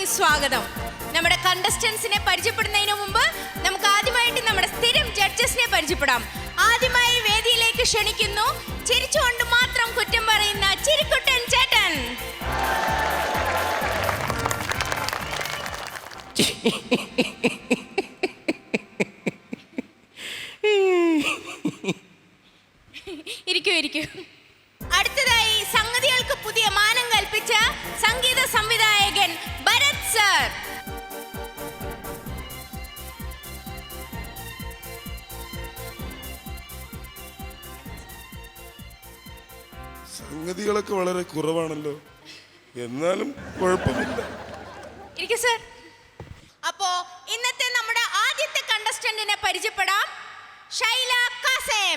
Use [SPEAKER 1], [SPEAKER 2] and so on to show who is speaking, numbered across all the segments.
[SPEAKER 1] ഷോയിലേക്ക് സ്വാഗതം. നമ്മുടെ കണ്ടസ്റ്റൻസിനെ പരിചയപ്പെടുന്നതിന് മുമ്പ് നമുക്ക് ആദ്യമായിട്ട് നമ്മുടെ സ്ഥിരം ജഡ്ജസിനെ പരിചയപ്പെടാം. ആദ്യമായി വേദിയിലേക്ക് ക്ഷണിക്കുന്നു ചിരിച്ചുകൊണ്ട് മാത്രം കുറ്റം പറയുന്ന ചിരിക്കുട്ടൻ ചേട്ടൻ. ഇരിക്കൂ. അടുത്തതായി സംഗതികൾക്ക് പുതിയ മാനം കൽപ്പിച്ച സംഗീത സംവിധായകൻ ഭരത് സർ.
[SPEAKER 2] സംഗതികളൊക്കെ വളരെ കുറവാണല്ലോ, എന്നാലും കുഴപ്പമില്ല.
[SPEAKER 1] ഇരിക്കൂ സർ. അപ്പോ ഇന്നത്തെ നമ്മുടെ ആദ്യത്തെ കണ്ടസ്റ്റന്റിനെ പരിചയപ്പെടാം. ഷൈല കാസേം.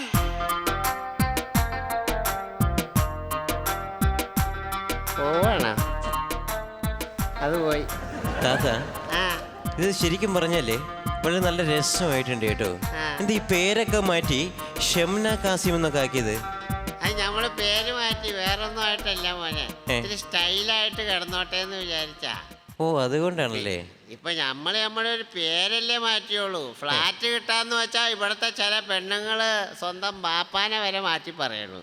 [SPEAKER 3] അത് പോയി
[SPEAKER 4] താത്ത. ഇത് ശരിക്കും പറഞ്ഞല്ലേ വളരെ നല്ല രസമായിട്ടുണ്ട് കേട്ടോ. എന്താ ഈ പേരൊക്കെ മാറ്റി ഷംന കാസിം എന്നൊക്കെ ആക്കിയത്?
[SPEAKER 3] അത് നമ്മള് പേര് മാറ്റി വേറൊന്നും ആയിട്ടല്ല മോനെ, ഇത്തിരി സ്റ്റൈലായിട്ട് കിടന്നോട്ടെ എന്ന് വിചാരിച്ചാ.
[SPEAKER 4] ഓ, അതുകൊണ്ടാണല്ലേ.
[SPEAKER 3] ഇപ്പൊ നമ്മുടെ ഒരു പേരല്ലേ മാറ്റിയോളൂ. ഫ്ലാറ്റ് കിട്ടാന്ന് വെച്ചാ ഇവിടത്തെ ചില പെണ്ണുങ്ങള് സ്വന്തം ബാപ്പാനെ വരെ മാറ്റി പറയണു.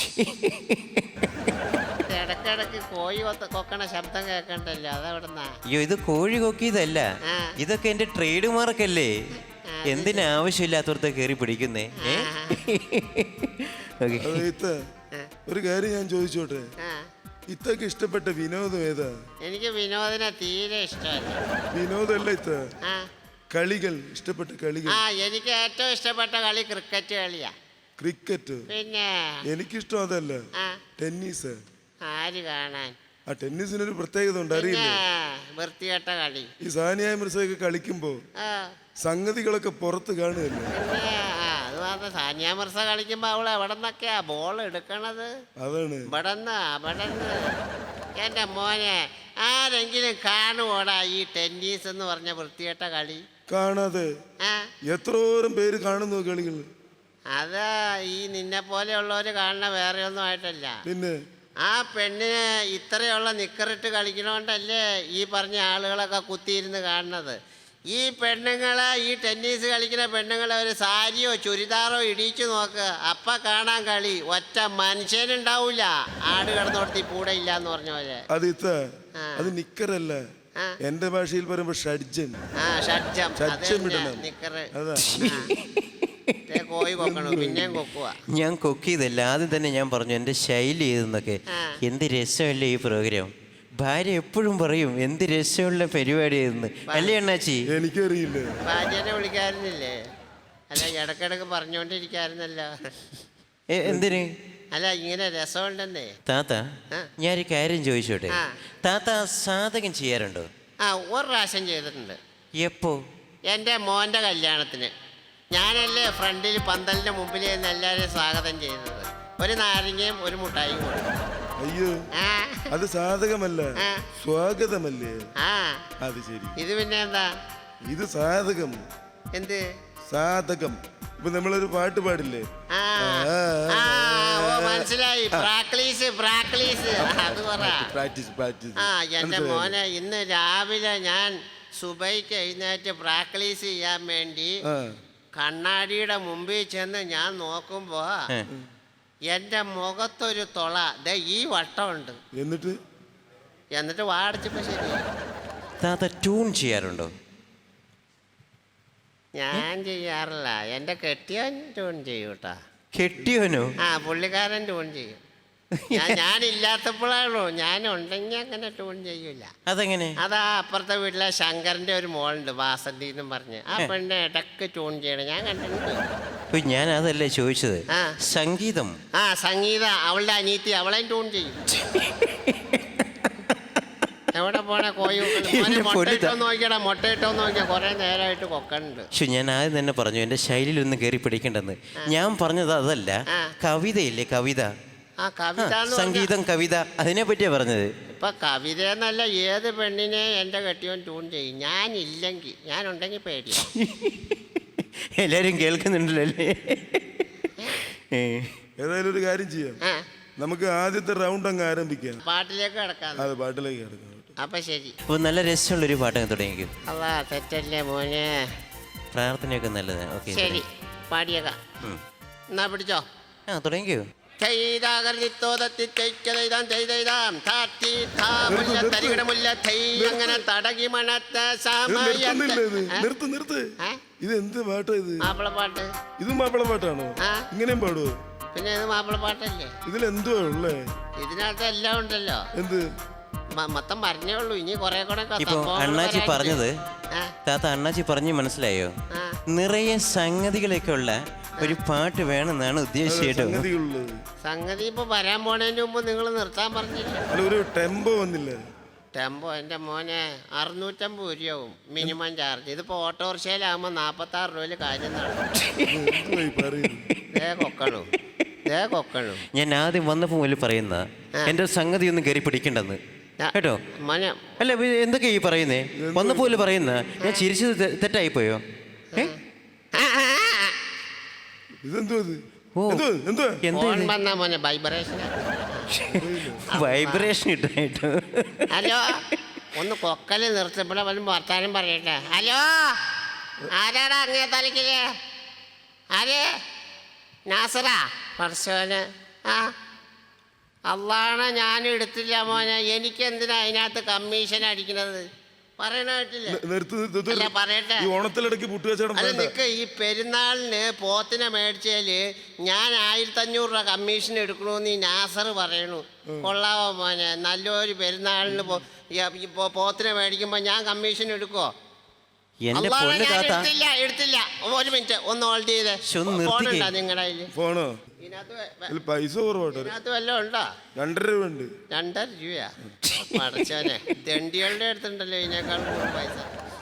[SPEAKER 3] ഇടക്കിടക്ക് കോഴി കൊക്കണ ശബ്ദം കേൾക്കണ്ടല്ലോ, അതെവിടുന്നാ?
[SPEAKER 4] അയ്യോ, ഇത് കോഴി കൊക്കിയതല്ല, ഇതൊക്കെ എന്റെ ട്രേഡ് മാർക്കല്ലേ. എന്തിനാവശ്യമില്ലാത്തവർക്ക് കയറി പിടിക്കുന്നേ?
[SPEAKER 2] ഒരു കാര്യം ഞാൻ ചോദിച്ചോട്ടെ, ഇത്തൊക്കെ ഇഷ്ടപ്പെട്ട വിനോദം ഏതാ?
[SPEAKER 3] എനിക്ക് വിനോദിനെ തീരെ ഇഷ്ടമല്ല.
[SPEAKER 2] വിനോദമല്ല ഇത്ത, കളികൾ, ഇഷ്ടപ്പെട്ട കളികൾ.
[SPEAKER 3] എനിക്ക് ഏറ്റവും ഇഷ്ടപ്പെട്ട കളി ക്രിക്കറ്റ് കളിയാ.
[SPEAKER 2] ക്രിക്കറ്റ്?
[SPEAKER 3] പിന്നെ
[SPEAKER 2] എനിക്കിഷ്ടം അതല്ല, ടെന്നീസ്.
[SPEAKER 3] ആര് കാണാൻ?
[SPEAKER 2] ആ ടെന്നീസിനൊരു പ്രത്യേകത ഉണ്ട്, അറിയില്ലേ?
[SPEAKER 3] വൃത്തികെട്ട കളി.
[SPEAKER 2] ഈ സാനിയ മിർസയൊക്കെ കളിക്കുമ്പോ സംഗതികളൊക്കെ പുറത്ത് കാണുകയല്ലേ.
[SPEAKER 3] അത് മാത്രം, സാനിയ മിർസ കളിക്കുമ്പോ അവള് എവിടെ നിന്നൊക്കെയാ ബോൾ എടുക്കണത്?
[SPEAKER 2] അതാണ്.
[SPEAKER 3] ഇവിടെന്ന്. എന്റെ മോനെ, ആരെങ്കിലും കാണുവോടാ ഈ ടെന്നീസ് എന്ന് പറഞ്ഞ വൃത്തികെട്ട കളി?
[SPEAKER 2] കാണാതെ എത്രോരം പേര് കാണുന്നു കളികൾ.
[SPEAKER 3] അതാ ഈ നിന്നെ പോലെയുള്ളവര് കാണുന്ന വേറെ ഒന്നും ആയിട്ടല്ല.
[SPEAKER 2] പിന്നെ
[SPEAKER 3] ആ പെണ്ണിന് ഇത്രയുള്ള നിക്കറിട്ട് കളിക്കണോണ്ടല്ലേ ഈ പറഞ്ഞ ആളുകളൊക്കെ കുത്തിയിരുന്ന് കാണുന്നത്. ഈ പെണ്ണുങ്ങളെ, ഈ ടെന്നീസ് കളിക്കുന്ന പെണ്ണുങ്ങളെ ഒരു സാരിയോ ചുരിദാറോ ഇടിച്ചു നോക്ക്, അപ്പ കാണാൻ കളി. ഒറ്റ മനുഷ്യനുണ്ടാവൂല. ആട് കിടന്നോടത്തി കൂടെ ഇല്ല എന്ന് പറഞ്ഞ പോലെ.
[SPEAKER 2] അത് നിക്കറല്ല, എന്റെ ഭാഷയിൽ പറയുമ്പോ ഷഡ്ജം.
[SPEAKER 4] ഞാൻ കൊക്കിയതല്ല, ആദ്യം തന്നെ ഞാൻ പറഞ്ഞു എന്റെ ശൈലി ഏതെന്നൊക്കെ. എന്ത് രസമല്ലേ ഈ പ്രോഗ്രാം. ഭാര്യ എപ്പോഴും പറയും എന്ത് രസമുള്ള പരിപാടി ആയിരുന്നു, അല്ലേ അണ്ണാച്ചി?
[SPEAKER 2] എനിക്കറിയില്ല.
[SPEAKER 3] ഭാര്യനെ വിളിക്കാറുന്നില്ലേ? അല്ല, ഇടക്കിടക്ക് പറഞ്ഞോണ്ടിരിക്കാറുന്നല്ലോ.
[SPEAKER 4] എന്തിന്?
[SPEAKER 3] അല്ല, ഇങ്ങനെ രസമുണ്ടെന്നേ.
[SPEAKER 4] താത്ത, ഞാനൊരു കാര്യം ചോദിച്ചോട്ടെ. താത്ത സാധകം ചെയ്യാറുണ്ടോ?
[SPEAKER 3] ഒരു പ്രാവശ്യം ചെയ്തിട്ടുണ്ട്.
[SPEAKER 4] എപ്പോ?
[SPEAKER 3] എൻ്റെ മോൻ്റെ കല്യാണത്തിന്. ഞാനല്ലേ ഫ്രണ്ടിൽ പന്തലിന്റെ മുമ്പിൽ നിന്ന് എല്ലാവരെയും സ്വാഗതം ചെയ്തത്. ഒരു നാരങ്ങയും ഒരു മുട്ടായും കൊടുത്തു.
[SPEAKER 2] അയ്യോ, അത് സാധകമല്ല, സ്വാഗതമല്ലേ? അത് ശരി. ഇത്
[SPEAKER 3] പിന്നെ എന്താ?
[SPEAKER 2] ഇത് സാധകം.
[SPEAKER 3] എന്ത്
[SPEAKER 2] സാധകം? ഇപ്പൊ നമ്മളൊരു പാട്ട് പാടില്ലേ?
[SPEAKER 3] മനസ്സിലായി. പ്രാക്ടീസ്. അത് പറ. എന്റെ മോനെ, ഇന്ന് രാവിലെ ഞാൻ സുബൈക്ക് എഴുന്നേറ്റ് പ്രാക്ടീസ് ചെയ്യാൻ വേണ്ടി കണ്ണാടിയുടെ മുമ്പിൽ ചെന്ന് ഞാൻ നോക്കുമ്പോ എന്റെ മുഖത്തൊരു തൊള ഈ വട്ടമുണ്ട്. എന്നിട്ട് വാടിച്ചപ്പോ ശരി.
[SPEAKER 4] താത്ത ട്യൂൺ ചെയ്യാറുണ്ടോ?
[SPEAKER 3] ഞാൻ ചെയ്യാറില്ല, എന്റെ കെട്ടിയോൻ ട്യൂൺ ചെയ്യൂട്ടാ.
[SPEAKER 4] കെട്ടിയോനോ?
[SPEAKER 3] പുള്ളിക്കാരൻ ട്യൂൺ ചെയ്യും. ഞാനില്ലാത്തപ്പോഴാണോ, ഞാനുണ്ടെങ്കിൽ അങ്ങനെ ട്യൂൺ ചെയ്യൂല.
[SPEAKER 4] അതെങ്ങനെ?
[SPEAKER 3] അതാ അപ്പുറത്തെ വീട്ടിലെ ശങ്കറിന്റെ ഒരു മോളുണ്ട്, വാസന്തി എന്നും പറഞ്ഞ്. ആ പെണ്ണ് ഇടക്ക് ട്യൂൺ ചെയ്യണം, ഞാൻ കണ്ടിട്ടുണ്ട്.
[SPEAKER 4] ഞാൻ അതല്ലേ ചോദിച്ചത്. സംഗീതം.
[SPEAKER 3] സംഗീത അവളുടെ അനിയത്തി, അവളെയും ട്യൂൺ ചെയ്യും. എവിടെ പോണ കോഴി മുട്ടയിട്ടോ നോക്കിയാ കുറെ നേരമായിട്ട് കൊക്കണ്ട്.
[SPEAKER 4] പക്ഷെ ഞാൻ ആദ്യം തന്നെ പറഞ്ഞു എന്റെ ശൈലിയിലൊന്നും കയറി പിടിക്കണ്ടെന്ന്. ഞാൻ പറഞ്ഞത് അതല്ല, കവിതയില്ലേ, കവിത. സംഗീതം, കവിത, അതിനെ പറ്റിയാ പറഞ്ഞത്.
[SPEAKER 3] ഇപ്പൊ കവിത എന്നല്ല, ഏത് പെണ്ണിനെ എന്റെ കെട്ടിയോൻ ട്യൂൺ ചെയ്യും. ഞാനുണ്ടെങ്കിൽ പേടിയാ.
[SPEAKER 4] എല്ലാരും കേൾക്കുന്നുണ്ടല്ലോ അല്ലേ?
[SPEAKER 2] ഏതായാലും ഒരു കാര്യം ചെയ്യാം, നമുക്ക് ആദ്യത്തെ റൗണ്ട് അങ്ങ് ആരംഭിക്കാം.
[SPEAKER 3] പാട്ടിലേക്ക് കിടക്കാം.
[SPEAKER 2] പാട്ടിലേക്ക് കിടക്കാം.
[SPEAKER 3] അപ്പൊ ശരി.
[SPEAKER 4] അപ്പോൾ നല്ല രസമുള്ളൊരു പാട്ടൊക്കെ തുടങ്ങിക്കും.
[SPEAKER 3] അല്ലാ തെറ്റല്ലേ മോനെ.
[SPEAKER 4] പ്രാർത്ഥനയൊക്കെ നല്ലതാണ്. ഓക്കെ
[SPEAKER 3] ശരി പാടിയേക്കാം. എന്നാ പിടിച്ചോ.
[SPEAKER 4] ആ തുടങ്ങിക്കോ.
[SPEAKER 3] അങ്ങനെ തടകി മണത്ത
[SPEAKER 2] നിർത്ത് നിർത്ത്. ഇത് എന്ത് പാട്ടാ ഇത്?
[SPEAKER 3] മാപ്പിളപ്പാട്ട്.
[SPEAKER 2] ഇത് മാപ്പിളപ്പാട്ടാണോ? ഇങ്ങനെയും പാടുവോ?
[SPEAKER 3] പിന്നെ ഇത് മാപ്പിളപ്പാട്ടല്ലേ.
[SPEAKER 2] ഇതിലെന്തുവാ ഉള്ളേ?
[SPEAKER 3] ഇതിനകത്ത് എല്ലാം ഉണ്ടല്ലോ.
[SPEAKER 2] എന്ത്?
[SPEAKER 3] മൊത്തം പറഞ്ഞേ ഉള്ളൂ. ഇനി കൊറേ കൂടെ
[SPEAKER 4] ഇപ്പൊ അണ്ണാച്ചി പറഞ്ഞത് താത്ത അണ്ണാച്ചി പറഞ്ഞ് മനസ്സിലായോ? നിറയെ സംഗതികളൊക്കെ ഉള്ള ഒരു പാട്ട് വേണമെന്നാണ് ഉദ്ദേശിച്ചത്.
[SPEAKER 3] സംഗതി ഇപ്പൊ വരാൻ പോണതിന് മുമ്പ് നിങ്ങൾ നിർത്താൻ പറഞ്ഞില്ല.
[SPEAKER 2] ഒരു ടെമ്പോ വന്നില്ല.
[SPEAKER 3] ടെമ്പോ എന്റെ മോനെ 650 രൂപയാവും മിനിമം ചാർജ്. ഇതിപ്പോ ഓട്ടോറിക്ഷയിലാകുമ്പോ 46 രൂപയില് കാര്യം കൊക്കണു.
[SPEAKER 4] ഞാൻ ആദ്യം വന്നപ്പോ മുതൽ പറയുന്ന എന്റെ സംഗതി ഒന്നും കയറി പിടിക്കണ്ടെന്ന് കേട്ടോ.
[SPEAKER 3] മോനെ
[SPEAKER 4] അല്ല എന്തൊക്കെയാ ഈ പറയുന്നേ? വന്നപ്പോലെ പറയുന്ന ഞാൻ ചിരിച്ചത് തെറ്റായിപ്പോയോ? വൈബ്രേഷൻ ഇട്ടായിട്ട്.
[SPEAKER 3] ഹലോ ഒന്ന് കൊക്കല് നിർത്തപ്പോഴെ വല്ല വർത്താനം പറയട്ടെ. ഹലോ ആരാടാ അങ്ങേ തലക്കില്? ആര്? നാസറാ? പറശോന്. ആ അള്ളാണ്. ഞാൻ എടുത്തില്ല മോനെ. എനിക്ക് എന്തിനാ അതിനകത്ത് കമ്മീഷൻ അടിക്കണത്? പറയട്ടെ. നിക്ക് ഈ പെരുന്നാളിന് പോത്തിനെ മേടിച്ചാല് ഞാൻ 1500 രൂപ കമ്മീഷൻ എടുക്കണമെന്ന് ഈ നാസർ പറയണു. കൊള്ളാവോ മോനെ? നല്ലൊരു പെരുന്നാളിന് പോത്തിനെ മേടിക്കുമ്പോ ഞാൻ കമ്മീഷൻ എടുക്കുവോ? എടുത്തില്ല. ഒരു മിനിറ്റ് ഒന്ന് ഹോൾഡ് ചെയ്തേ. ഫോണുണ്ടോ നിങ്ങളുടെ
[SPEAKER 2] ഫോണോ? പൈസ
[SPEAKER 3] ഇതിനകത്ത് വല്ലതും ഉണ്ടോ?
[SPEAKER 2] 2.5 രൂപ ഉണ്ട്.
[SPEAKER 3] 2.5 രൂപയാ? പഠിച്ചോനെ തെണ്ടികളുടെ അടുത്തുണ്ടല്ലോ ഇതിനേക്കാൾ കൂടുതൽ പൈസ.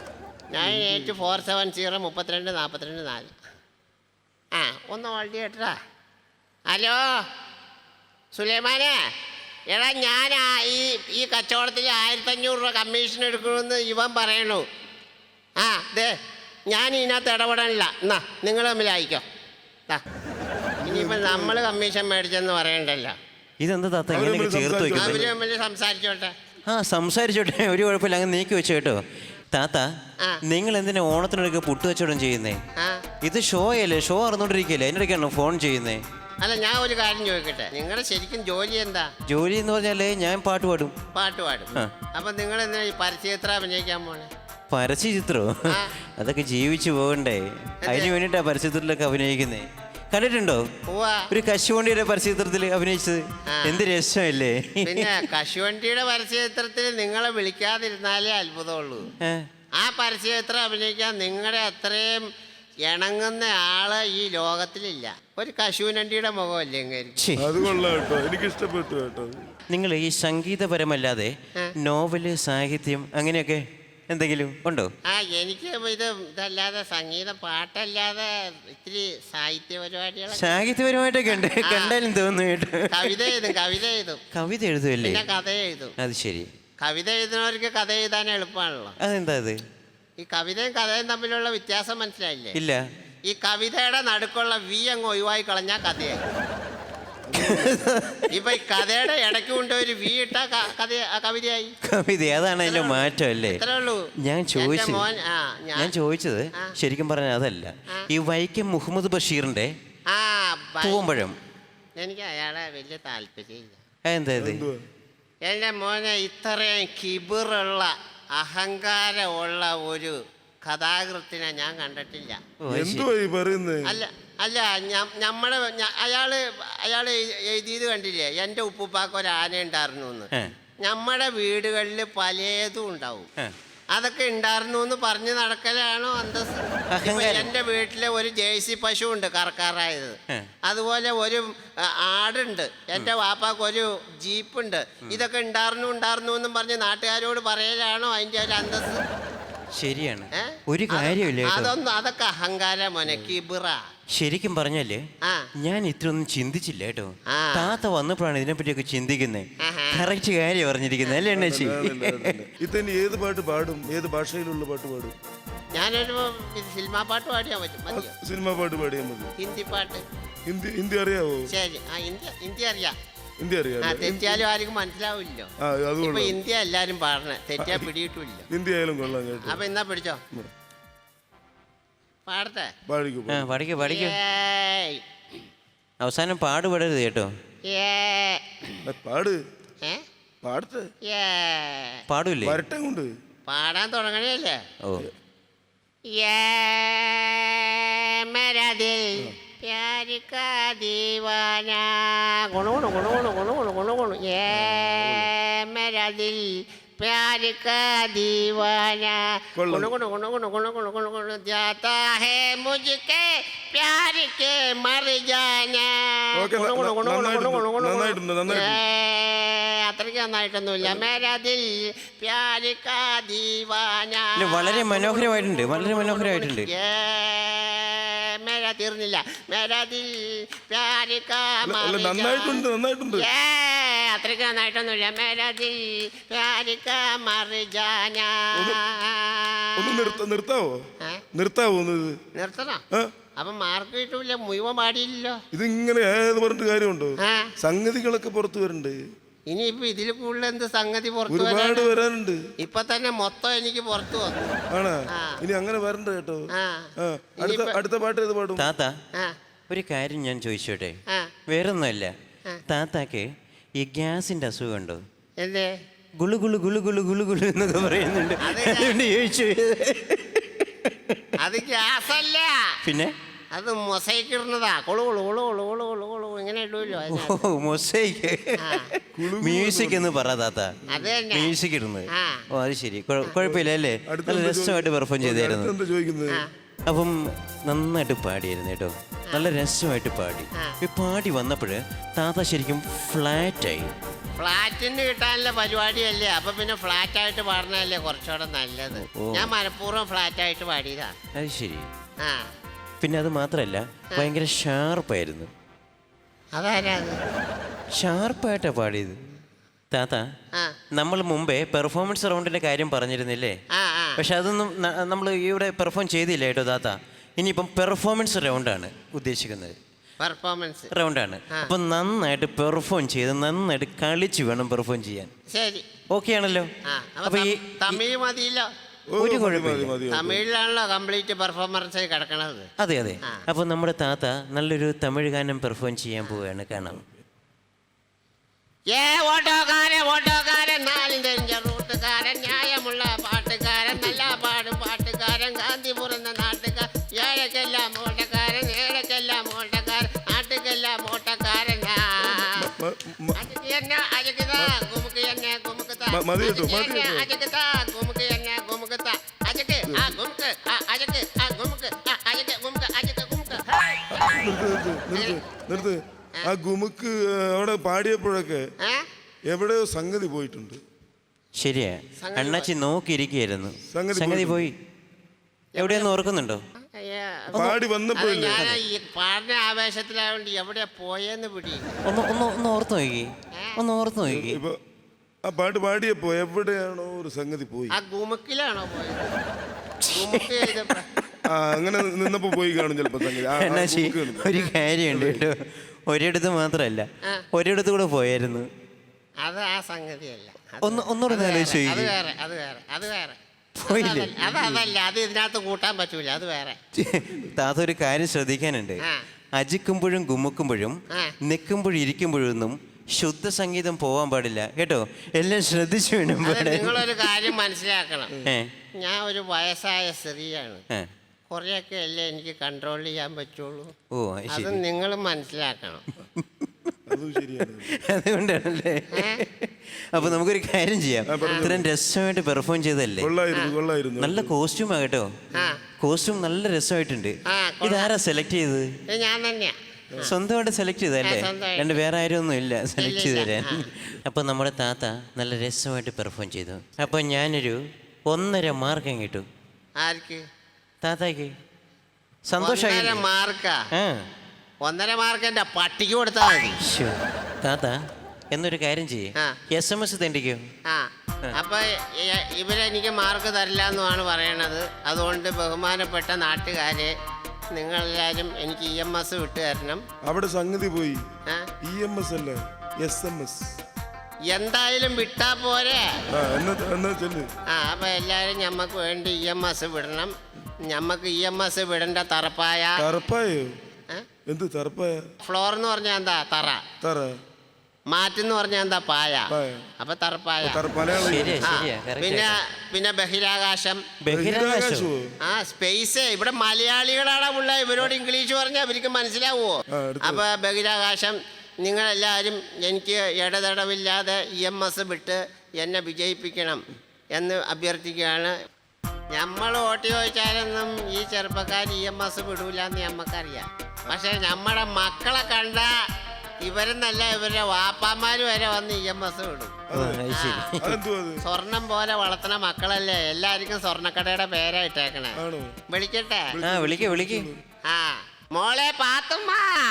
[SPEAKER 3] 9847032424. ആ ഒന്ന് ഹോൾഡ് ചെയ്യട്ടാ. ഹലോ സുലൈമാനെ, എടാ ഞാൻ ഈ കച്ചവടത്തിൽ 1500 രൂപ കമ്മീഷൻ എടുക്കണമെന്ന് ഇവൻ പറയണു. ആ ദേ ഞാൻ ഇതിനകത്ത് ഇടപെടാനില്ല. എന്നാ നിങ്ങൾ തമ്മിൽ അയക്കോ. ഇനിയിപ്പോൾ നമ്മൾ കമ്മീഷൻ മേടിച്ചെന്ന് പറയണ്ടല്ലോ.
[SPEAKER 4] ഇതെന്താ താത്ത ഇങ്ങനെ ചേർത്ത് വെക്കുന്നത്?
[SPEAKER 3] അവര് തമ്മിൽ സംസാരിച്ചോട്ടെ.
[SPEAKER 4] ആ സംസാരിച്ചോട്ടെ, ഒരു കുഴപ്പമില്ല. അങ്ങ് നീക്കി വെച്ചു കേട്ടോ. താത്ത നിങ്ങൾ എന്തിനാ ഓണത്തിനൊക്കെ പുട്ട് കച്ചവടം ചെയ്യുന്നേ? ഇത് ഷോ അല്ലേ? ഷോ അറിഞ്ഞോണ്ടിരിക്കല്ലേ? അതിനിടയ്ക്കാണോ ഫോൺ ചെയ്യുന്നേ?
[SPEAKER 3] അല്ല ഞാൻ ഒരു കാര്യം ചോദിക്കട്ടെ, നിങ്ങളുടെ ശരിക്കും ജോലി എന്താ?
[SPEAKER 4] ജോലി എന്ന് പറഞ്ഞാലേ ഞാൻ പാട്ട് പാടും.
[SPEAKER 3] പാട്ട് പാടും. അപ്പൊ നിങ്ങൾ എന്തിനാ ഈ പരസ്യചിത്രം അഭിനയിക്കാൻ പോണേ?
[SPEAKER 4] പരസ്യചിത്രോ? അതൊക്കെ ജീവിച്ചു പോകണ്ടേ? അതിന് വേണ്ടിട്ടാ പരസ്യചിത്രത്തിലൊക്കെ അഭിനയിക്കുന്നേ. കണ്ടിട്ടുണ്ടോ ഒരു കശുവണ്ടിയുടെ പരസ്യചിത്രത്തിൽ അഭിനയിച്ചത്? എന്ത് രസമല്ലേ?
[SPEAKER 3] പിന്നെ കശുവണ്ടിയുടെ പരസ്യചിത്രത്തിൽ നിങ്ങളെ വിളിക്കാതിരുന്നാലേ അത്ഭുതമുള്ളൂ. ആ പരസ്യചിത്രം അഭിനയിക്കാൻ നിങ്ങളുടെ അത്രയും ഇണങ്ങുന്ന ആള് ഈ ലോകത്തിലില്ല. ഒരു കശുവണ്ടിയുടെ മുഖമല്ലേ?
[SPEAKER 2] എനിക്ക് ഇഷ്ടപ്പെട്ടു കേട്ടോ.
[SPEAKER 4] നിങ്ങൾ ഈ സംഗീതപരമല്ലാതെ നോവല്, സാഹിത്യം അങ്ങനെയൊക്കെ എന്തെങ്കിലും ഉണ്ടോ?
[SPEAKER 3] എനിക്ക് ഇതല്ലാതെ സംഗീതം, പാട്ടല്ലാതെ ഇത്തിരി സാഹിത്യ പരിപാടികൾ.
[SPEAKER 4] സാഹിത്യപരമായിട്ടൊക്കെ ഉണ്ട്, കണ്ടാലും തോന്നുന്നു കേട്ടോ.
[SPEAKER 3] കവിത എഴുതും.
[SPEAKER 4] കവിത എഴുതുമല്ലേ?
[SPEAKER 3] പിന്നെ കഥ എഴുതും.
[SPEAKER 4] അത് ശരി.
[SPEAKER 3] കവിത എഴുതുന്നവർക്ക് കഥ എഴുതാൻ എളുപ്പമാണല്ലോ.
[SPEAKER 4] അതെന്താ അത്? ഈ
[SPEAKER 3] കവിതയും കഥയും തമ്മിലുള്ള വ്യത്യാസം മനസ്സിലായില്ലേ?
[SPEAKER 4] ഇല്ല.
[SPEAKER 3] ഈ കവിതയുടെ നടുക്കുള്ള വി അങ്ങ് ഒഴിവായി കളഞ്ഞാൽ കഥയായി. ഇപ്പൊ ഈ കഥയുടെ ഇടയ്ക്ക് കൊണ്ട് ഒരു വി ഇട്ട കവിതയായി.
[SPEAKER 4] കവിത അതാണ് അതിന്റെ മാറ്റം അല്ലേ? ഞാൻ ചോദിച്ചത് ശരിക്കും പറഞ്ഞാൽ അതല്ല. ഈ വൈക്കം മുഹമ്മദ് ബഷീറിന്റെ പൂവമ്പഴം
[SPEAKER 3] എനിക്ക് അയാളെ വലിയ താല്പര്യമില്ല.
[SPEAKER 4] എന്താ ഇത്?
[SPEAKER 3] എന്റെ മോനെ ഇത്രയും കിബിറുള്ള അഹങ്കാരമുള്ള ഒരു കഥാകൃത്തിനെ ഞാൻ കണ്ടിട്ടില്ല. അല്ല അയാള് എഴുതിയത് കണ്ടില്ലേ? എൻ്റെ ഉപ്പുപ്പാക്ക് ഒരു ആന ഉണ്ടായിരുന്നു എന്ന്. നമ്മുടെ വീടുകളിൽ പലതും ഉണ്ടാവും. അതൊക്കെ ഉണ്ടായിരുന്നു എന്ന് പറഞ്ഞു നടക്കലാണോ അന്തസ്? എൻ്റെ വീട്ടിലെ ഒരു ജേഴ്സി പശു ഉണ്ട് കറക്കാറായത്. അതുപോലെ ഒരു ആടുണ്ട്. എൻ്റെ വാപ്പാക്ക് ഒരു ജീപ്പുണ്ട്. ഇതൊക്കെ ഉണ്ടായിരുന്നു എന്നും പറഞ്ഞ് നാട്ടുകാരോട് പറയലാണോ അതിൻ്റെ ഒരു അന്തസ്?
[SPEAKER 4] ശരിയാണ്. ഒരു കാര്യമില്ല.
[SPEAKER 3] അതൊക്കെ അഹങ്കാരം മോനെ, കിബിറ.
[SPEAKER 4] ശരിക്കും പറഞ്ഞാല് ഞാൻ ഇത്രയൊന്നും ചിന്തിച്ചില്ല കേട്ടോ. താത്ത വന്നപ്പോഴാണ് ഇതിനെപ്പറ്റിയൊക്കെ ചിന്തിക്കുന്നത്. കറക്റ്റ് കാര്യം പറഞ്ഞിരിക്കുന്നത് അല്ലേ അണ്ണാച്ചി?
[SPEAKER 2] ഇതന്നെ ഏത് പാട്ട് പാടും? ഏത് ഭാഷയിലുള്ള പാട്ട് പാടും?
[SPEAKER 3] ഞാനൊരു സിനിമാ പാട്ട് പാടിയാൽ പറ്റും.
[SPEAKER 2] സിനിമാ പാട്ട് പാടിയാൽ മതി.
[SPEAKER 3] ഹിന്ദി പാട്ട്.
[SPEAKER 2] ഹിന്ദി അറിയാവോ?
[SPEAKER 3] ശരി, ഹിന്ദി അറിയാം.
[SPEAKER 2] ഹിന്ദി
[SPEAKER 3] ആ
[SPEAKER 2] അറിയാം.
[SPEAKER 3] തെറ്റിയാലും ആർക്കും മനസ്സിലാവില്ലോ.
[SPEAKER 2] ആ
[SPEAKER 3] ഇപ്പൊ
[SPEAKER 2] അതുകൊണ്ട്
[SPEAKER 3] ഹിന്ദി എല്ലാരും പാടണേ, തെറ്റിയാ പിടിയിട്ടില്ല.
[SPEAKER 2] ഹിന്ദി ആയാലും കൊള്ളാം കേട്ടോ.
[SPEAKER 3] അപ്പൊ എന്നാ പിടിച്ചോ, പാടത്തെ.
[SPEAKER 2] പാടിക്കോ.
[SPEAKER 4] ആ പഠിക്കോ പഠിക്കോ.
[SPEAKER 3] ഏയ്.
[SPEAKER 4] അവസാനം പാടുപെടരുത് കേട്ടോ.
[SPEAKER 3] ഏ.
[SPEAKER 2] പാട്
[SPEAKER 3] ഏ?
[SPEAKER 2] പാടത്തെ
[SPEAKER 3] ഏ.
[SPEAKER 4] പാടൂല്ലേ?
[SPEAKER 2] വരട്ടെ കൊണ്ട്
[SPEAKER 3] പാടാൻ തുടങ്ങണല്ലേ.
[SPEAKER 4] ഓ
[SPEAKER 3] ये मेरा दिल प्यार का दीवाना गुणु गुणु गुणु गुणु गुणु गुणु गुणु गुणु ये मेरा दिल प्यार का दीवाना गुणु गुणु गुणु गुणु गुणु गुणु गुणु गुणु जाता है मुझके प्यार के मर जाना
[SPEAKER 2] ഓക്കേ,
[SPEAKER 3] गुणु गुणु गुणु गुणु गुणु गुणु गुणु
[SPEAKER 2] നന്നായിട്ടുണ്ട്, നന്നായിട്ടുണ്ട്.
[SPEAKER 3] അത്രയ്ക്ക് നന്നായിട്ടൊന്നുമില്ല. മേരാ ദിൽ പ്യാർ കാ ദീവാന.
[SPEAKER 4] ഇല്ല, വളരെ മനോഹരമായിട്ടുണ്ട്, വളരെ മനോഹരമായിട്ടുണ്ട്.
[SPEAKER 3] മേരാ തീർന്നില്ല. മേരാ ദിൽ പ്യാർ കാ
[SPEAKER 2] അല്ല നന്നായിട്ടുണ്ട്, നന്നായിട്ടുണ്ട്.
[SPEAKER 3] അത്രയ്ക്ക് നന്നായിട്ടൊന്നുമില്ല. മേരാ ദിൽ പ്യാർ കാ മർ ജാന.
[SPEAKER 2] ഒന്ന് നിർത്താവോ?
[SPEAKER 3] ഏ?
[SPEAKER 2] നിർത്താവോ ഒന്ന് ഇത്?
[SPEAKER 3] നിർത്തണോ?
[SPEAKER 2] ആ?
[SPEAKER 3] അപ്പൊ മാർക്ക് കിട്ടൂല, മുഴുവൻ പാടിയില്ലല്ലോ.
[SPEAKER 2] ഇതിങ്ങനെ ഏത് പറഞ്ഞിട്ട് കാര്യമുണ്ടോ?
[SPEAKER 3] ആ.
[SPEAKER 2] സംഗതികളൊക്കെ പുറത്തു വരണ്ടേ?
[SPEAKER 3] ഇനിയിപ്പോ ഇതിൽ കൂടുതൽ എന്ത് സംഗതി പുറത്തു
[SPEAKER 2] ഒരുപാട്
[SPEAKER 3] വരാൻ?
[SPEAKER 2] വരാനുണ്ട്.
[SPEAKER 3] ഇപ്പൊ തന്നെ മൊത്തം എനിക്ക് പുറത്തു വന്നു.
[SPEAKER 2] ആണാ?
[SPEAKER 3] ആ.
[SPEAKER 2] ഇനി അങ്ങനെ വരണ്ട കേട്ടോ.
[SPEAKER 3] ആ.
[SPEAKER 2] ആ, അടുത്ത പാട്ട് ഏത് പാടും?
[SPEAKER 4] താത്ത
[SPEAKER 3] ആ.
[SPEAKER 4] ഒരു കാര്യം ഞാൻ ചോദിച്ചോട്ടെ?
[SPEAKER 3] ആ.
[SPEAKER 4] വേറൊന്നുമല്ല,
[SPEAKER 3] ആ.
[SPEAKER 4] താത്താക്ക് ഈ ഗ്യാസിന്റെ അസുഖമുണ്ടോ?
[SPEAKER 3] എന്തേ?
[SPEAKER 4] ഗുളു ഗുളു ഗുളു ഗുളു ഗുളു ഗുളു എന്നൊക്കെ പറയുന്നുണ്ട്.
[SPEAKER 3] അതെ.
[SPEAKER 4] അതുകൊണ്ട് ചോദിച്ചു.
[SPEAKER 3] അത് ഗ്യാസല്ല,
[SPEAKER 4] പിന്നെ
[SPEAKER 3] അത് മൊസൈക്ക് ഇടുന്നതാ. കൊളു കൊളു കൊളു കൊളു കൊളു കൊളു കൊളു ഇങ്ങനെ ഇടുമല്ലോ.
[SPEAKER 4] ഓ മൊസൈക്ക്.
[SPEAKER 3] ആ.
[SPEAKER 4] മ്യൂസിക് എന്ന് പറ താത്ത.
[SPEAKER 3] അത് തന്നെ.
[SPEAKER 4] മ്യൂസിക് ഇടുന്നത്.
[SPEAKER 3] ആ.
[SPEAKER 4] ഓ അത് ശരി, കുഴപ്പമില്ല അല്ലേ?
[SPEAKER 2] അടുത്ത
[SPEAKER 4] നല്ല
[SPEAKER 2] എന്താ
[SPEAKER 4] രസമായിട്ട് പെർഫോം ചെയ്തായിരുന്നു.
[SPEAKER 2] എന്താ ചോദിക്കുന്നത്?
[SPEAKER 3] ആ.
[SPEAKER 4] അപ്പം നന്നായിട്ട് പാടിയായിരുന്നു കേട്ടോ, നല്ല രസമായിട്ട് പാടി.
[SPEAKER 3] ആ.
[SPEAKER 4] ഈ പാടി വന്നപ്പോൾ താത്ത ശരിക്കും ഫ്ലാറ്റായി.
[SPEAKER 3] ഫ്ലാറ്റിന് കിട്ടാനുള്ള പരിപാടിയല്ലേ, അപ്പൊ പിന്നെ ഫ്ലാറ്റ് ആയിട്ട് പാടണല്ലേ കുറച്ചുകൂടെ നല്ലത്.
[SPEAKER 4] ഓ.
[SPEAKER 3] ഞാൻ മനഃപൂർവ്വം ഫ്ലാറ്റ് ആയിട്ട് പാടിയതാ.
[SPEAKER 4] അത് ശരി.
[SPEAKER 3] ആ.
[SPEAKER 4] പിന്നെ അത് മാത്രമല്ല, ഭയങ്കര ഷാർപ്പായിരുന്നു.
[SPEAKER 3] അതാരാ അത്?
[SPEAKER 4] ഷാർപ്പായിട്ടാണ് പാടിയത് താത്ത.
[SPEAKER 3] ആ.
[SPEAKER 4] നമ്മൾ മുമ്പേ പെർഫോമൻസ് റൗണ്ടിന്റെ കാര്യം പറഞ്ഞിരുന്നില്ലേ?
[SPEAKER 3] ആ. ആ.
[SPEAKER 4] പക്ഷെ അതൊന്നും നമ്മൾ ഇവിടെ പെർഫോം ചെയ്തില്ല കേട്ടോ താത്ത. ഇനിയിപ്പം പെർഫോമൻസ് റൗണ്ടാണ് ഉദ്ദേശിക്കുന്നത്.
[SPEAKER 3] പെർഫോമൻസ്
[SPEAKER 4] റൗണ്ടാണ്.
[SPEAKER 3] ആ.
[SPEAKER 4] അപ്പം നന്നായിട്ട് പെർഫോം ചെയ്ത് നന്നായിട്ട് കളിച്ച് വേണം പെർഫോം ചെയ്യാൻ.
[SPEAKER 3] ശരി.
[SPEAKER 4] ഓക്കെ ആണല്ലോ?
[SPEAKER 3] ആ.
[SPEAKER 4] അപ്പൊ ഈ
[SPEAKER 3] തമിഴ് മതിയല്ലോ.
[SPEAKER 2] ഓ,
[SPEAKER 4] ഒരു
[SPEAKER 2] മതി,
[SPEAKER 4] കുഴപ്പമില്ല.
[SPEAKER 2] മതി, മതി.
[SPEAKER 3] തമിഴിലാണല്ലോ കംപ്ലീറ്റ് പെർഫോമൻസ് കിടക്കണത്.
[SPEAKER 4] അതെ അതെ.
[SPEAKER 3] ആ.
[SPEAKER 4] അപ്പോൾ നമ്മുടെ താത്ത നല്ലൊരു തമിഴ് ഗാനം പെർഫോം ചെയ്യാൻ പോവുകയാണ്, കാണാം.
[SPEAKER 3] ഓട്ടോക്കാരൻ നാലും തെരിഞ്ഞ റൂട്ടുകാരൻ, ന്യായമുള്ള പാട്ടുകാരൻ, നല്ല പാടും പാട്ടുകാരൻ, ഗാന്ധി പുറന്ന നാട്ടുകാരൻ, ഏഴക്കെല്ലാം ഓട്ടക്കാരൻ, ഏഴക്കെല്ലാം ഓട്ടക്കാരൻ, നാട്ടുക്കെല്ലാം ഓട്ടക്കാരൻ.
[SPEAKER 2] മതി കേട്ടോ, മതി കേട്ടോ. നിർത്ത്. ആ ഗുമുക്ക് അവിടെ പാടിയപ്പോഴൊക്കെ എവിടെയോ സംഗതി പോയിട്ടുണ്ട്.
[SPEAKER 4] ശരിയാ,
[SPEAKER 3] സംഗതി
[SPEAKER 4] അണ്ണാച്ചി നോക്കിയിരിക്കുകയായിരുന്നു.
[SPEAKER 2] സംഗതി
[SPEAKER 4] സംഗതി പോയി. എവിടെയൊന്ന് ഓർക്കുന്നുണ്ടോ?
[SPEAKER 2] പാടി വന്നപ്പോഴില്ലേ?
[SPEAKER 3] ഞാൻ ഈ പാടിന ആവേശത്തിലായോണ്ട് എവിടെ പോയെന്ന് പിടി.
[SPEAKER 4] ഒന്ന് ഓർത്ത് നോക്കി, ഒന്ന് ഓർത്ത് നോക്കി.
[SPEAKER 2] ഇപ്പൊ ആ പാട്ട് പാടിയപ്പോ എവിടെയാണോ ഒരു സംഗതി പോയി.
[SPEAKER 3] ആ ഗുമുക്കിലാണോ പോയത്? ഗുമുക്ക് ചെയ്തപ്പോ
[SPEAKER 2] ആ അങ്ങനെ നിന്നപ്പോ പോയി കാണും ചിലപ്പോ സംഗതി.
[SPEAKER 4] അണ്ണാച്ചി ഒരു കാര്യമുണ്ട് കേട്ടോ, ഒരിടത്ത് മാത്രമല്ല
[SPEAKER 3] ആ.
[SPEAKER 4] ഒരിടത്ത് കൂടെ പോയായിരുന്നു.
[SPEAKER 3] അത് ആ സംഗതിയല്ല.
[SPEAKER 4] ഒന്നുകൂടെ ഒന്ന് ആലോചിച്ച്
[SPEAKER 3] അത്
[SPEAKER 4] നോക്കിക്കേ.
[SPEAKER 3] വേറെ, അത് വേറെ, അത് വേറെ.
[SPEAKER 4] പോയില്ലേ?
[SPEAKER 3] അതല്ല, അത് ഇതിനകത്ത് കൂട്ടാൻ പറ്റൂല, അത് വേറെ.
[SPEAKER 4] താത്ത ഒരു കാര്യം ശ്രദ്ധിക്കാനുണ്ട്.
[SPEAKER 3] ആ.
[SPEAKER 4] അജിക്കുമ്പോഴും ഗുമ്മുക്കുമ്പോഴും
[SPEAKER 3] ആ.
[SPEAKER 4] നിൽക്കുമ്പോഴും ഇരിക്കുമ്പോഴൊന്നും ശുദ്ധ സംഗീതം പോവാൻ പാടില്ല കേട്ടോ. എല്ലാം ശ്രദ്ധിച്ചു വേണം
[SPEAKER 3] അത്
[SPEAKER 4] പാടാൻ.
[SPEAKER 3] നിങ്ങളൊരു കാര്യം മനസ്സിലാക്കണം.
[SPEAKER 4] ഏ,
[SPEAKER 3] ഞാൻ ഒരു വയസ്സായ സ്ത്രീയാണ്.
[SPEAKER 4] ഏ.
[SPEAKER 3] കുറെയൊക്കെ അല്ലേ എനിക്ക് കൺട്രോൾ ചെയ്യാൻ പറ്റുള്ളൂ.
[SPEAKER 4] ഓ അത്
[SPEAKER 3] അത്
[SPEAKER 4] ശരി.
[SPEAKER 3] നിങ്ങൾ മനസ്സിലാക്കണം.
[SPEAKER 2] അതും ശരിയാണ്.
[SPEAKER 4] അതുകൊണ്ടാണല്ലേ? അപ്പൊ നമുക്കൊരു കാര്യം ചെയ്യാം. ഇത്രയും രസമായിട്ട് പെർഫോം ചെയ്തല്ലേ,
[SPEAKER 2] കൊള്ളായിരുന്നു.
[SPEAKER 4] നല്ല കോസ്റ്റ്യൂമാ കേട്ടോ.
[SPEAKER 3] ആ.
[SPEAKER 4] കോസ്റ്റ്യൂം നല്ല രസമായിട്ടുണ്ട്.
[SPEAKER 3] ആ, കൊള്ളാം.
[SPEAKER 4] ഇതാരാ സെലക്ട് ചെയ്തത്?
[SPEAKER 3] ഇത് ഞാൻ തന്നെയാ.
[SPEAKER 4] സ്വന്തമായിട്ട് സെലക്ട് ചെയ്തല്ലേ?
[SPEAKER 3] ആ, സ്വന്തമായിട്ട്.
[SPEAKER 4] രണ്ട് വേറെ ആരും ഒന്നും ഇല്ല സെലക്ട് ചെയ്ത്
[SPEAKER 3] ഇല്ല.
[SPEAKER 4] തരാൻ. അപ്പൊ നമ്മുടെ താത്ത നല്ല രസമായിട്ട് പെർഫോം ചെയ്തു. അപ്പൊ ഞാനൊരു 1.5 മാർക്ക് കിട്ടും
[SPEAKER 3] ആർക്ക്?
[SPEAKER 4] താത്താക്ക്. സന്തോഷമായി.
[SPEAKER 3] 1.5 മാർക്കാ?
[SPEAKER 4] ആ
[SPEAKER 3] 1.5 മാർക്ക് എന്റെ പട്ടിക്ക് കൊടുത്താൽ മതി.
[SPEAKER 4] ശ്ശോ. താത്ത എന്നൊരു കാര്യം ചെയ്യേ,
[SPEAKER 3] ആ.
[SPEAKER 4] SMS തണ്ടിക്കോ.
[SPEAKER 3] ആ. അപ്പൊ ഇവരെനിക്ക് മാർക്ക് തരില്ല എന്നുമാണ് പറയണത്. അതുകൊണ്ട് ബഹുമാനപ്പെട്ട നാട്ടുകാരെ, നിങ്ങളെല്ലാവരും എനിക്ക് EMS വിട്ടു തരണം.
[SPEAKER 2] അവിടെ സംഗതി പോയി.
[SPEAKER 3] ആ?
[SPEAKER 2] EMS അല്ല, SMS.
[SPEAKER 3] എന്തായാലും വിട്ടാ പോരെ.
[SPEAKER 2] എന്നാ ചെല്ല്.
[SPEAKER 3] അപ്പൊ എല്ലാരും ഞമ്മക്ക് വേണ്ടി EMS വിടണം. ഞമ്മക്ക് EMS വിടേണ്ട തറപ്പായ.
[SPEAKER 2] തറപ്പായോ? എന്ത് തറപ്പായ?
[SPEAKER 3] ഫ്ലോർ എന്ന് പറഞ്ഞാൽ എന്താ? തറ.
[SPEAKER 2] തറ.
[SPEAKER 3] മാറ്റെന്ന് പറഞ്ഞാൽ എന്താ? പായ. അപ്പൊ തറപ്പായ. പിന്നെ ബഹിരാകാശം. സ്പേസ്. ഇവിടെ മലയാളികളാണ് ഉള്ള. ഇവരോട് ഇംഗ്ലീഷ് പറഞ്ഞാൽ അവർക്ക് മനസ്സിലാവുമോ? അപ്പൊ ബഹിരാകാശം. നിങ്ങളെല്ലാവരും എനിക്ക് ഇടതടവില്ലാതെ EMS വിട്ട് എന്നെ വിജയിപ്പിക്കണം എന്ന് അഭ്യർത്ഥിക്കുകയാണ്. നമ്മൾ വോട്ട് ചോദിച്ചാലൊന്നും ഈ ചെറുപ്പക്കാർ EMS വിടൂല എന്ന് നമ്മക്കറിയാം. പക്ഷെ നമ്മുടെ മക്കളെ കണ്ട ഇവരെന്നല്ല, ഇവരുടെ വാപ്പാമാര് വരെ വന്ന് EMS വിടും. സ്വർണം പോലെ വളർത്തുന്ന മക്കളല്ലേ. എല്ലാവർക്കും സ്വർണ്ണക്കടയുടെ പേരായിട്ടേക്കണേ. വിളിക്കട്ടെ? ആ മോളെ പാത്തുമ്മ.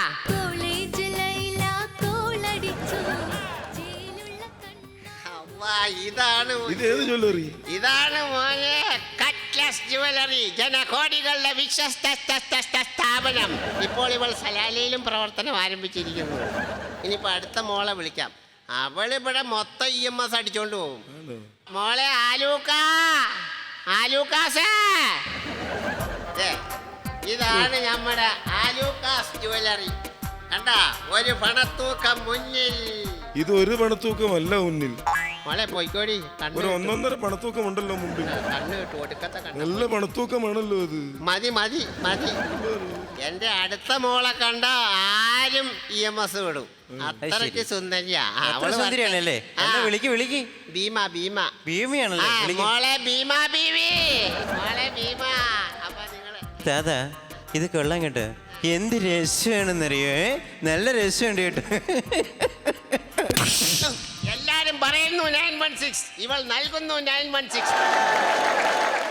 [SPEAKER 3] ഇതാണ് മോനെ കട്ട്ലസ് ജുവലറി, ജനകോടികളുടെ വിശ്വസ്ത സ്ഥാപനം. ഇപ്പോൾ ഇവൾ സലാലയിലും പ്രവർത്തനം ആരംഭിച്ചിരിക്കുന്നു. ഇനിയിപ്പോ അടുത്ത മോളെ വിളിക്കാം. അവളിവിടെ മൊത്തം EMS അടിച്ചോണ്ട് പോകും. മോളെ ആലൂക്കാസേ. ഇതാണ് നമ്മുടെ ആലൂക്കാസ് ജുവലറി. കണ്ടാ, ഒരു പണത്തൂക്കം മുന്നിൽ.
[SPEAKER 2] ഇത് ഒരു പണത്തൂക്കമല്ല മുന്നിൽ.
[SPEAKER 3] മോളെ പോയിക്കോടി.
[SPEAKER 2] ഒരു 1.5 പണത്തൂക്കം ഉണ്ടല്ലോ മുമ്പിൽ.
[SPEAKER 3] കണ്ണ് കിട്ടു, ഒടുക്കത്തെ കണ്ണ്.
[SPEAKER 2] നല്ല പണത്തൂക്കമാണല്ലോ അത്.
[SPEAKER 3] മതി. എന്റെ അടുത്ത മോളെ കണ്ട ആരും EMS വിടും. അത്രയ്ക്ക് സുന്ദരിയാ.
[SPEAKER 4] സുന്ദരിയാണല്ലേ? ഭീമയാണല്ലേ?
[SPEAKER 3] മോളെ ഭീമ ബീവി. അപ്പൊ നിങ്ങള്
[SPEAKER 4] ദാദാ, ഇത് കൊള്ളാൻ കേട്ടോ. എന്ത് രസമാണെന്നറിയോ? നല്ല രസമുണ്ട് കേട്ടോ.
[SPEAKER 3] എല്ലാരും പറയുന്നു 916. ഇവൾ നൽകുന്നു 916.